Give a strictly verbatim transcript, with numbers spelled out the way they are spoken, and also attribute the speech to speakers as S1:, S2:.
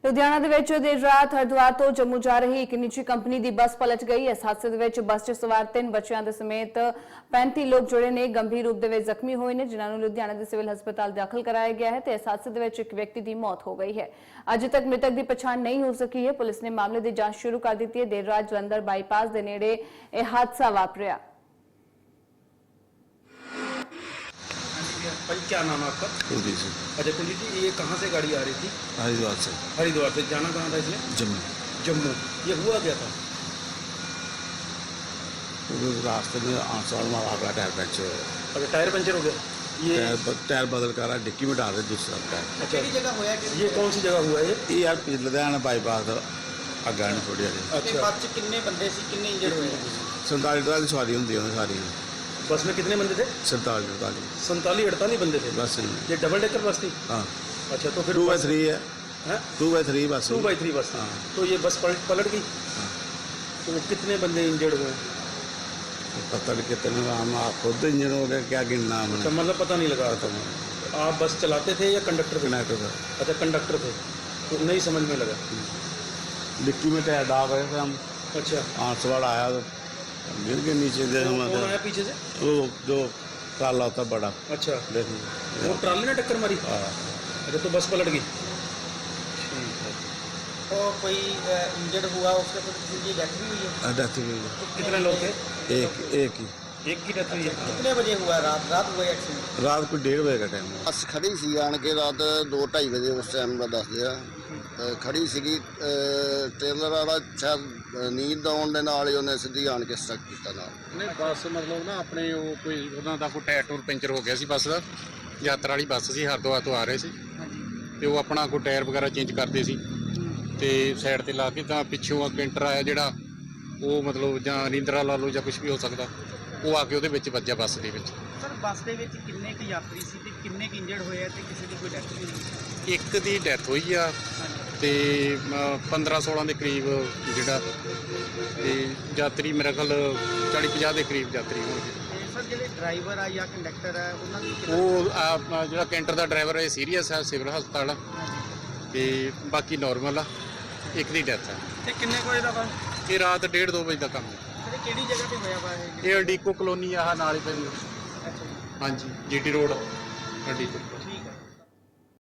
S1: ਲੁਧਿਆਣਾ ਦੇ ਵਿੱਚ ਦੇਰ ਰਾਤ ਹਰਿਦੁਆਰ ਤੋਂ ਜੰਮੂ ਜਾ ਰਹੀ ਇੱਕ ਨਿੱਜੀ ਕੰਪਨੀ ਦੀ ਬੱਸ ਪਲਟ ਗਈ। ਇਸ ਹਾਦਸੇ ਦੇ ਵਿੱਚ ਬੱਸ 'ਚ ਸਵਾਰ ਤਿੰਨ ਬੱਚਿਆਂ ਦੇ ਸਮੇਤ ਪੈਂਤੀ ਲੋਕ ਜੁੜੇ ਨੇ, ਗੰਭੀਰ ਰੂਪ ਦੇ ਵਿੱਚ ਜ਼ਖਮੀ ਹੋਏ ਨੇ, ਜਿਨ੍ਹਾਂ ਨੂੰ ਲੁਧਿਆਣਾ ਦੇ ਸਿਵਲ ਹਸਪਤਾਲ ਦਾਖਲ ਕਰਾਇਆ ਗਿਆ ਹੈ ਤੇ ਇਸ ਹਾਦਸੇ ਦੇ ਵਿੱਚ ਇੱਕ ਵਿਅਕਤੀ ਦੀ ਮੌਤ ਹੋ ਗਈ ਹੈ। ਅਜੇ ਤੱਕ ਮ੍ਰਿਤਕ ਦੀ ਪਛਾਣ ਨਹੀਂ ਹੋ ਸਕੀ ਹੈ। ਪੁਲਿਸ ਨੇ ਮਾਮਲੇ ਦੀ ਜਾਂਚ ਸ਼ੁਰੂ ਕਰ ਦਿੱਤੀ ਹੈ। ਦੇਰ ਰਾਤ ਜਲੰਧਰ ਬਾਈਪਾਸ ਦੇ ਨੇੜੇ ਇਹ ਹਾਦਸਾ ਵਾਪਰਿਆ।
S2: भाई क्या नाम है आपका?
S3: कुलदीप सिंह।
S2: अच्छा कुलदीप जी, ये कहाँ से गाड़ी आ रही थी?
S3: हरिद्वार से।
S2: हरिद्वार से। जाना कहाँ था इसने?
S3: जम्मू।
S2: जम्मू। ये हुआ क्या था?
S3: रास्ते में आसवाड़ में आपका टायर पंचर हो गया।
S2: अच्छा, टायर पंचर हो गया। ये
S3: टायर, ब, टायर बदल कर रहा, डिक्की में डाल रहे दूसरा टायर।
S2: अच्छा, जगह हुआ है? ये कौन सी जगह हुआ है?
S3: ये यार लुधियाना बाईपास अग्गा नहीं थोड़ी हाली।
S2: अच्छा, बस च कितने बंदे सी, कितने इंजर्ड हुए?
S3: संताली अड़ताली सवारी होंगी सारी।
S2: बस में कितने बंदे थे?
S3: संताली अड़ताली
S2: संताली अड़तालीस बंदे थे
S3: बस।
S2: ये डबल डेकर बस थी?
S3: हाँ।
S2: अच्छा, तो फिर
S3: टू बाई थ्री है। टू बाई थ्री बस।
S2: टू बाई थ्री बस।
S3: हाँ।
S2: तो ये बस पलट पलट गई।
S3: हाँ।
S2: तो कितने बंदे इंजर्ड हुए?
S3: पता नहीं कितने, हम आप खुद इंजन हो गया, क्या गिनना हमने।
S2: अच्छा, मतलब पता नहीं लगा।
S3: पता नहीं।
S2: आप बस चलाते थे या कंडक्टर थे?
S3: कंडक्टर था।
S2: अच्छा, कंडक्टर थे, तो नहीं समझ में लगा।
S3: डिक्की में टायर डाल रहे थे हम।
S2: अच्छा,
S3: आसवाड़ आया तो गिर के नीचे दे
S2: कौन
S3: हमारे
S2: आया पीछे से?
S3: वो जो काला होता बड़ा।
S2: अच्छा,
S3: देखिए
S2: वो ट्राली ने टक्कर मारी?
S3: हाँ।
S2: अच्छा, तो बस पलट गई।
S4: तो कोई इंजर्ड हुआ, उसके फिर किसी की डेथ भी हुई है?
S3: डेथ हुई है।
S2: तो कितने लोग थे?
S3: एक एक ही।
S2: एक की डेथ हुई है।
S4: कितने बजे हुआ? रात रात हुआ एक्सीडेंट?
S3: रात को डेढ़ बजे का टाइम है।
S5: ਬੱਸ ਖੜੀ ਸੀ ਆਣ ਕੇ ਰਾਤ ਦੋ ਢਾਈ ਵਜੇ ਉਸ ਟਾਈਮ ਦਾ ਦੱਸਦੇ ਆ। ਤੇ ਖੜੀ ਸੀਗੀ, ਟ੍ਰੇਲਰ ਵਾਲਾ ਸ਼ਾਇਦ ਨੀਂਦ ਆਉਣ ਦੇ ਨਾਲ ਹੀ ਉਹਨੇ ਸਿੱਧੀ ਆਣ ਕੇ ਸਟਕ ਕੀਤਾ ਨਾਲ।
S6: ਨਹੀਂ ਬੱਸ ਮਤਲਬ ਨਾ ਆਪਣੇ ਉਹ ਕੋਈ ਉਹਨਾਂ ਦਾ ਕੋਈ ਟਾਇਰ ਟੂਰ ਪੈਂਚਰ ਹੋ ਗਿਆ ਸੀ ਬੱਸ ਦਾ। ਯਾਤਰਾ ਵਾਲੀ ਬੱਸ ਸੀ, ਹਰਿਦੁਆਰ ਤੋਂ ਆ ਰਹੇ ਸੀ ਤੇ ਉਹ ਆਪਣਾ ਕੋਈ ਟਾਇਰ ਵਗੈਰਾ ਚੇਂਜ ਕਰਦੇ ਸੀ ਤੇ ਸਾਈਡ ਤੇ ਲਾ ਕੇ ਤਾਂ ਪਿੱਛੋਂ ਆ ਕੈਂਟਰ ਆਇਆ ਜਿਹੜਾ ਉਹ ਮਤਲਬ ਜਾਂ ਰਿੰਦਰਾ ਲਾ ਲਓ ਜਾਂ ਕੁਝ ਵੀ ਹੋ ਸਕਦਾ, ਉਹ ਆ ਕੇ ਉਹਦੇ ਵਿੱਚ ਵੱਜਿਆ ਬੱਸ ਦੇ ਵਿੱਚ।
S4: ਸਰ ਬੱਸ ਦੇ ਵਿੱਚ ਕਿੰਨੇ ਕੁ ਯਾਤਰੀ ਸੀ ਤੇ ਕਿੰਨੇ ਕੁ ਇੰਜਰਡ ਹੋਏ ਆ ਤੇ ਕਿਸੇ ਦੀ ਕੋਈ ਡੈਥ ਵੀ ਹੋਈ?
S6: ਇੱਕ ਦੀ ਡੈਥ ਹੋਈ ਆ ਤੇ ਪੰਦਰਾਂ ਸੋਲਾਂ ਦੇ ਕਰੀਬ ਜਿਹੜਾ ਤੇ ਯਾਤਰੀ ਮੇਰੇ ਖਿਆਲ ਚਾਲੀ ਪੰਜਾਹ ਦੇ ਕਰੀਬ ਯਾਤਰੀ ਹੋਣਗੇ।
S4: ਤੇ ਸਰ ਜਿਹੜੇ ਡਰਾਈਵਰ ਆ ਜਾਂ ਕੰਡਕਟਰ ਆ ਉਹਨਾਂ ਦੀ
S6: ਉਹ ਆ ਜਿਹੜਾ ਕੈਂਟਰ ਦਾ ਡਰਾਈਵਰ ਹੈ ਸੀਰੀਅਸ ਹੈ, ਸਿਵਲ ਹਸਪਤਾਲ ਆ ਤੇ ਬਾਕੀ ਨਾਰਮਲ ਆ। ਇੱਕ ਦੀ ਡੈਥ ਹੈ।
S4: ਤੇ ਕਿੰਨੇ ਕੋਈ ਦਾ ਵਾ?
S6: ਇਹ ਰਾਤ ਡੇਢ ਦੋ ਵਜੇ ਦਾ ਕੰਮ ਹੈ।
S4: ਸਰ ਕਿਹੜੀ ਜਗ੍ਹਾ ਤੇ ਹੋਇਆ ਵਾ ਇਹ?
S6: ਇਹ ਅਡੀਕੋ ਕਲੋਨੀ ਆਹ ਨਾਲ ਹੀ ਪੈਂਦੀ।
S4: ਅੱਛਾ ਜੀ।
S6: ਹਾਂਜੀ, ਜੀਟੀ ਰੋਡ ਅਡੀਕੋ।